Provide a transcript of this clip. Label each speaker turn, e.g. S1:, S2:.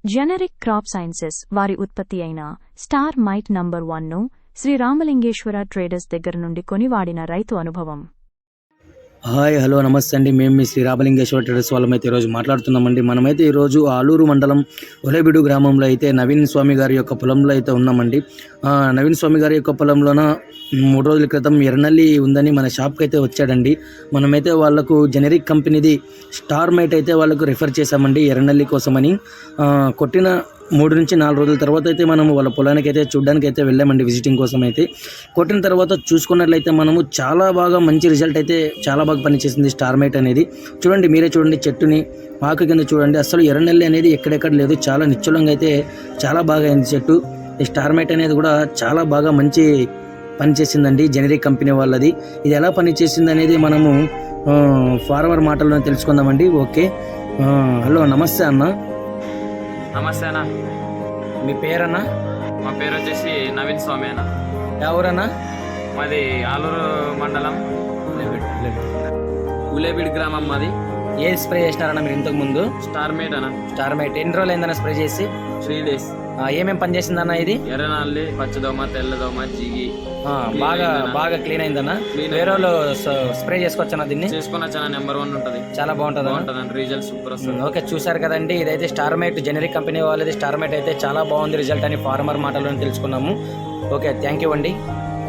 S1: Generic crop sciences వారి ఉత్పత్తి అయిన స్టార్ మైట్ నంబర్ 1ను శ్రీ రామలింగేశ్వర ట్రేడర్స్ దగ్గర నుండి కొనివాడిన రైతు అనుభవం.
S2: హాయ్ హలో నమస్తే అండి. మేము మీ శ్రీ రామలింగేశ్వర ట్రేడర్స్ వాళ్ళమైతే ఈరోజు మాట్లాడుతున్నామండి. మనమైతే ఈరోజు ఆలూరు మండలం ఒలేబిడు గ్రామంలో అయితే నవీన్ స్వామి గారి యొక్క పొలంలో అయితే ఉన్నామండి. నవీన్ స్వామి గారి యొక్క పొలంలోన 3 రోజుల క్రితం ఎర్రనల్లి ఉందని మన షాప్కి అయితే వచ్చాడండి. మనమైతే వాళ్ళకు జెనరిక్ కంపెనీది స్టార్ మైట్ అయితే వాళ్ళకు రిఫర్ చేశామండి ఎర్రనల్లి కోసమని. కొట్టిన 3 నుంచి 4 రోజుల తర్వాత అయితే మనము వాళ్ళ పొలానికి అయితే చూడడానికి అయితే వెళ్ళామండి విజిటింగ్ కోసం అయితే. కొట్టిన తర్వాత చూసుకున్నట్లయితే మనము చాలా బాగా మంచి రిజల్ట్ అయితే చాలా బాగా పనిచేసింది స్టార్ మైట్ అనేది. చూడండి, మీరే చూడండి, చెట్టుని ఆకు కింద చూడండి, అసలు ఎర్రనల్లి అనేది ఎక్కడెక్కడ లేదు, చాలా నిశ్చలంగా అయితే చాలా బాగా అయింది చెట్టు. ఈ స్టార్ మైట్ అనేది కూడా చాలా బాగా మంచి పనిచేసిందండి జెనరిక్ కంపెనీ వాళ్ళది. ఇది ఎలా పనిచేసింది అనేది మనము ఫార్మర్ మాటల్లోనే తెలుసుకుందామండి. ఓకే, హలో నమస్తే అన్న.
S3: నమస్తే అన్న.
S2: మీ పేరన్నా?
S3: మా పేరు వచ్చేసి నవీన్ స్వామి అన్న.
S2: ఎవరన్నా?
S3: మాది ఆలూరు మండలం ఉలేబిడ్ గ్రామం మాది.
S2: ఏ స్ప్రే చేసినారన్నా మీరు ఇంతకు ముందు?
S3: స్టార్ మేట్ అన్న.
S2: స్టార్ మైట్ ఎన్ని రోజులు అయిందన్న స్ప్రే చేసి?
S3: 3 days.
S2: ఏమేమి పని చేసిందన్న ఇది?
S3: ఎర్రనల్లి, పచ్చదోమ, తెల్లదోమ, జిగి
S2: బాగా క్లీన్ అయిందన్న. వేరే వాళ్ళు స్ప్రే చేసుకోవచ్చా దీన్ని?
S3: చేసుకున్న చాలా నెంబర్ 1 ఉంటుంది,
S2: చాలా బాగుంటుంది
S3: అన్న. రిజల్ట్ సూపర్ వస్తుంది.
S2: ఓకే, చూసారు కదండి, ఇదైతే స్టార్ మైట్ జెనరిక్ కంపెనీ వాళ్ళది. స్టార్ మైట్ అయితే చాలా బాగుంది రిజల్ట్ అని ఫార్మర్ మాటల్లో తెలుసుకున్నాము. ఓకే, థ్యాంక్ యూ అండి.